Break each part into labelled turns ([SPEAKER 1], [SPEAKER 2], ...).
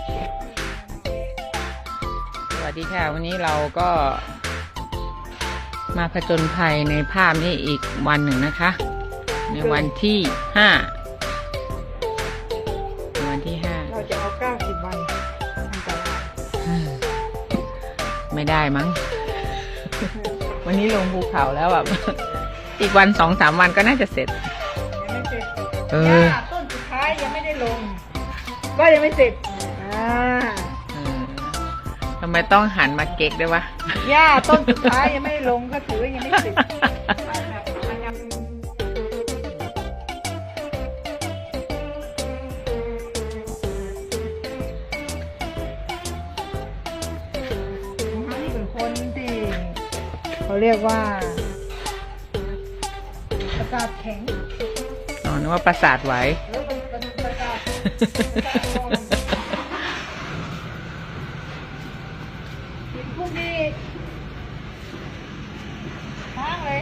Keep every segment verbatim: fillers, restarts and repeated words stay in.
[SPEAKER 1] สวัสดีค่ะวันนี้เราก็มาผจญภัยในภาพนี้อีกวันหนึ่งนะคะ ในวันที่ห้าในวันที่ห้า
[SPEAKER 2] เราจะเอาเก้าสิบวันทำตลาด
[SPEAKER 1] ไม่ได้มั้ง วันนี้ลงภูเขาแล้วแบบ อีกวันสองสามวันก็น่าจะเสร็จ
[SPEAKER 2] ยังไม่เสร็จ
[SPEAKER 1] เออ
[SPEAKER 2] ต้นสุดท้ายยังไม่ได้ลงก็ยังไม่เสร็จอ่า
[SPEAKER 1] ทำไมต้องหันมาเก๊กด้วยวะ
[SPEAKER 2] หญ้าต้นสุดท้ายยังไม่ได้ลงก็ถือว่ายังไม่เสร็จนี่เป็นคนที่เขาเรียกว่าประสาทแข็ง
[SPEAKER 1] อ๋อนึกว่าประสาทไหว
[SPEAKER 2] แล้วเป็นประสาทกินพวกนี้ค้างเลย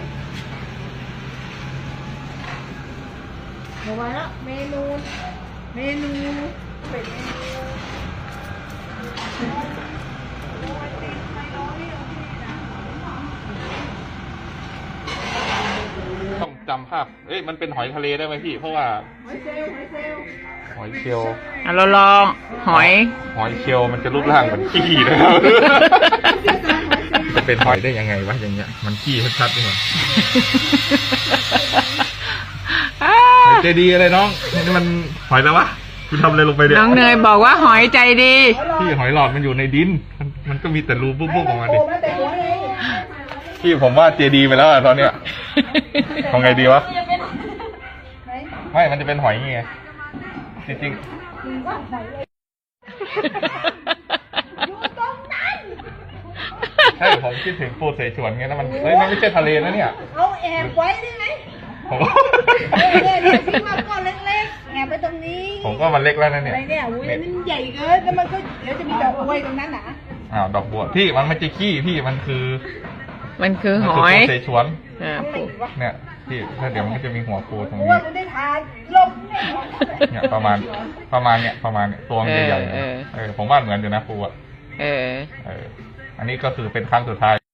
[SPEAKER 2] เดี๋ยวมาแล้วเมนูเมนูเป็นเมนู
[SPEAKER 3] ต้องจำภาพเอ้ยมันเป็นหอยทะเลได้ไหมพี่เพราะว่า
[SPEAKER 2] หอยเชลล์หอยเชลล์
[SPEAKER 3] หอยเชลล์
[SPEAKER 1] อ่ะเราลองหอย
[SPEAKER 3] หอยเชลล์มันจะรูปร่างเหมือนขี้นะครับ จะเป็นหอยได้ยังไงวะอย่างเงี้ยมันขี้ชัดๆเลยหอยใจดีอะไรน้องนี่มันหอยแล้ววะคุณทำอะไรลงไปเนี่ย
[SPEAKER 1] น้องเนยบอกว่าหอยใจดี
[SPEAKER 3] พี่หอยหลอดมันอยู่ในดินมันมันก็มีแต่รูปุ๊บๆออกมาดิพี่ผมว่าเจดีไปแล้วตอนเนี้ยทำไงดีวะไม่มันจะเป็นหอยไงจริงๆใช่ผมคิดถึงปูเสฉวนไงนะมันเฮ้ยมันไม่ใช่ทะเลนะเนี่ย
[SPEAKER 2] เอาแอบไว้ได้ไหม
[SPEAKER 3] ผม
[SPEAKER 2] เนี่ยเนี่ยทิ้งมาก้อนเล็กๆแอบไปตรงนี้
[SPEAKER 3] ผมก็มันเล็กแล้วนะเนี่ย
[SPEAKER 2] อะไรเนี่ยอุ้ยมันใหญ่เกินแล้วมันก็เดี๋ยวจะมีดอกบัวตรงนั้นนะ
[SPEAKER 3] อ้าวดอกบัวพี่มันไม่ใช่ขี้พี่มันคือ
[SPEAKER 1] มันคือหอย
[SPEAKER 3] ปูเสฉวน
[SPEAKER 2] เนี่ย
[SPEAKER 3] พี่ถ้าเดี๋ยวมันก็จะมีหัวปูตรงนี้
[SPEAKER 2] ว่ามันได้ทานลม
[SPEAKER 3] เนี่ยประมาณประมาณเนี่ยประมาณเนี่ยตัวมันใหญ่ๆเออผมว่าเหมือนอยู่นะปูอ่ะ
[SPEAKER 1] เออ
[SPEAKER 3] เอออันนี้ก็คือเป็นครั้งสุดท้าย